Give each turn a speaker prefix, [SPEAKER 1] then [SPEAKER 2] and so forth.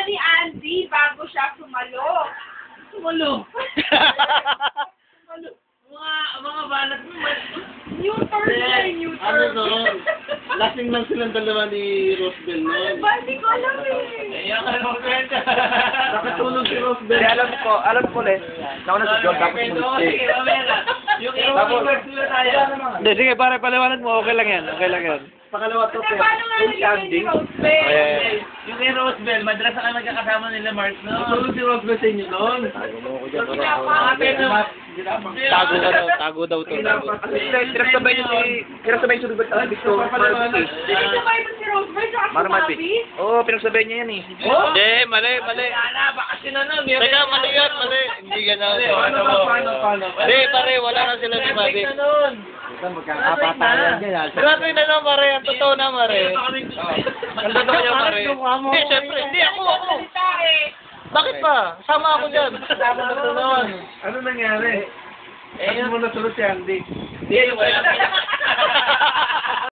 [SPEAKER 1] ni Andy bago siya sumalo. Sumalo. Mga balat mo. New turn na new turn.
[SPEAKER 2] Ano no? Lasing lang silang dalawa ni Rosebell
[SPEAKER 1] Ano
[SPEAKER 2] noon.
[SPEAKER 1] ba? Hindi ko alam eh.
[SPEAKER 2] Iyak ka naman kwenta. Nakatulog si Rosebell.
[SPEAKER 3] Alam ko ulit. Nauna si John, tapos mulit.
[SPEAKER 2] Yung i-reverse nila tayo.
[SPEAKER 3] Hindi, sige, pare, paliwanag mo. Okay lang yan. Okay lang yan.
[SPEAKER 2] Pangalawa to,
[SPEAKER 1] Kasi paano nga
[SPEAKER 2] yung
[SPEAKER 1] naging ni Rosebell?
[SPEAKER 3] Okay.
[SPEAKER 2] Yung kay Rosebell, madalas na nagkakasama nila Mark, no? Natulog si Rosebell sa inyo noon.
[SPEAKER 3] Tago mo ko dyan.
[SPEAKER 2] Tago
[SPEAKER 3] Tago ka daw. Tago daw to. Kinasabay niyo si Rubert sa Victor.
[SPEAKER 1] Pinasabay mo si Rosebell tsaka si
[SPEAKER 3] Marmati.
[SPEAKER 1] Bobby?
[SPEAKER 3] Oo, pinagsabay niya yan eh.
[SPEAKER 2] Oh?
[SPEAKER 3] Hindi, mali.
[SPEAKER 2] Wala, baka sinanong.
[SPEAKER 3] Teka, mali yan, mali. Hindi gano'n.
[SPEAKER 2] Paano?
[SPEAKER 3] Hindi, pare, wala na sila ni Bobby.
[SPEAKER 2] Magkakapatayan
[SPEAKER 3] dyan. Grabe na lang, pare. Ang totoo na, pare. Ang totoo niya, pare. Hindi, syempre. Hindi, ako.
[SPEAKER 1] Salita eh.
[SPEAKER 3] Bakit pa? Sama ako dyan.
[SPEAKER 2] Kasama na to noon. Ano nangyari? Ano mo nasunod si Andy? Hindi, wala.